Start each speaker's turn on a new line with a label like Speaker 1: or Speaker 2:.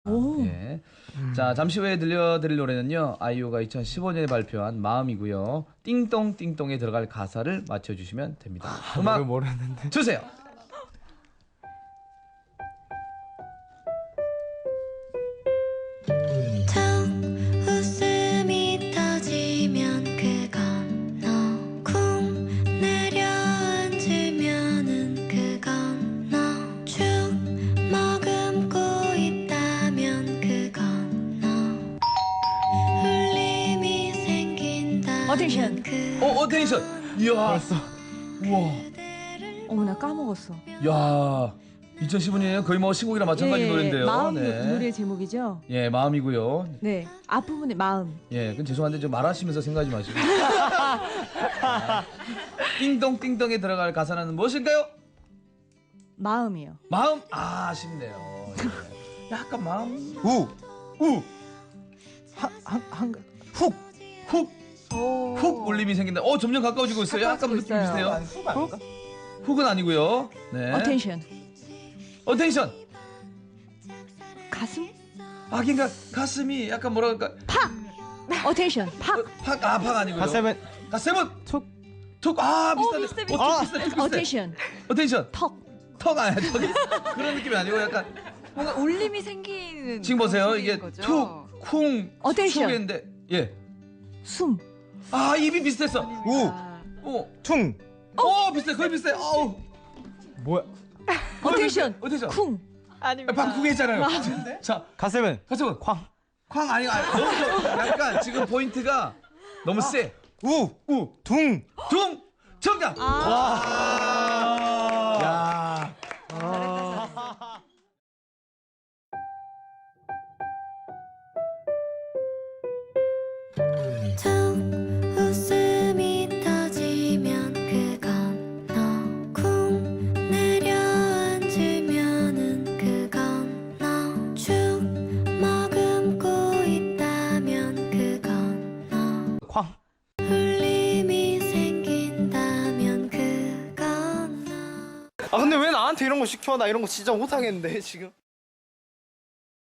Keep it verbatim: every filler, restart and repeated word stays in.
Speaker 1: 오.
Speaker 2: 예. 자, 잠시 후에 들려드릴 노래는요, 아이유가 이천십오 년에 발표한 마음이고요. 띵동 띵동에 들어갈 가사를 맞춰주시면 됩니다. 음악
Speaker 3: 노래 모르는데.
Speaker 2: 주세요.
Speaker 4: 툭 웃음이 터지면 그건 너 쿵 내려앉으면은 그건 너 축 머금고 있다면 그건 너 울림이 생긴다면
Speaker 1: 어텐션.
Speaker 4: 그
Speaker 2: 어, 어텐션. 이야.
Speaker 3: 벌써.
Speaker 2: 우와.
Speaker 1: 어머 나 까먹었어.
Speaker 2: 야. 이천십오 년에 거의 뭐 신곡이랑 마찬가지
Speaker 1: 예,
Speaker 2: 노래인데요.
Speaker 1: 마음
Speaker 2: 네.
Speaker 1: 노래 제목이죠.
Speaker 2: 예, 마음이고요.
Speaker 1: 네. 앞부분의 마음.
Speaker 2: 예, 그건 죄송한데 좀 말하시면서 생각하지 마시고. 자, 띵동 띵동에 들어갈 가사는 무엇일까요?
Speaker 1: 마음이요.
Speaker 2: 마음. 아, 아쉽네요. 예. 약간 마음.
Speaker 3: 우.
Speaker 2: 우.
Speaker 3: 한한
Speaker 2: 훅. 훅. 훅 울림이 생긴다. 어, 점점 가까워지고 있어요. 약간 느낌
Speaker 1: 있어요.
Speaker 2: 비슷해요.
Speaker 3: 훅 아닌가?
Speaker 2: 훅은 아니고요. 네.
Speaker 1: 어텐션.
Speaker 2: 어텐션.
Speaker 1: 가슴?
Speaker 2: 하긴가 가슴이 약간 뭐라 그럴까?
Speaker 1: 어텐션. 팍.
Speaker 2: 어, 팍. 아, 팍 아니고요.
Speaker 3: 가세븐.
Speaker 2: 가세븐.
Speaker 3: 툭.
Speaker 2: 툭. 아, 비슷한데.
Speaker 1: 비슷해, 비슷해.
Speaker 2: 어, 툭 비슷해. 툭 비슷해.
Speaker 1: 어텐션.
Speaker 2: 어텐션.
Speaker 1: 턱.
Speaker 2: 턱 아니야. 저기 그런 느낌이 아니고 약간
Speaker 5: 뭔가 울림이 생기는
Speaker 2: 지금 보세요.
Speaker 5: 그런
Speaker 2: 이게
Speaker 5: 소리인 거죠?
Speaker 2: 툭, 쿵,
Speaker 1: 어텐션.
Speaker 2: 툭인데 예.
Speaker 1: 숨.
Speaker 2: 아, 입이 비슷했어.
Speaker 3: 우.
Speaker 5: 아,
Speaker 2: 어.
Speaker 3: 퉁.
Speaker 2: 어, 비슷해. 거의 비슷해. 어우.
Speaker 3: 뭐야?
Speaker 1: 어텐션.
Speaker 2: 어텐션.
Speaker 1: 쿵.
Speaker 5: 아닙니다.
Speaker 2: 방쿵 했잖아요. 자,
Speaker 3: 가세븐.
Speaker 2: 가서
Speaker 3: 쾅.
Speaker 2: 쾅 아니 아니. 너무 약간 지금 포인트가 너무 세.
Speaker 3: 우.
Speaker 2: 우,
Speaker 3: 둥.
Speaker 2: 둥. 정답.
Speaker 3: 와.
Speaker 2: 야.
Speaker 4: 툭 웃음이 터지면 그건 너 쿵 내려앉으면은 그건 너 축 머금고 있다면 그건 너
Speaker 3: 쾅.
Speaker 4: 울림이 생긴다면 그건 너
Speaker 3: 아 근데 왜 나한테 이런 거 시켜? 나 이런 거 진짜 못하겠는데 지금.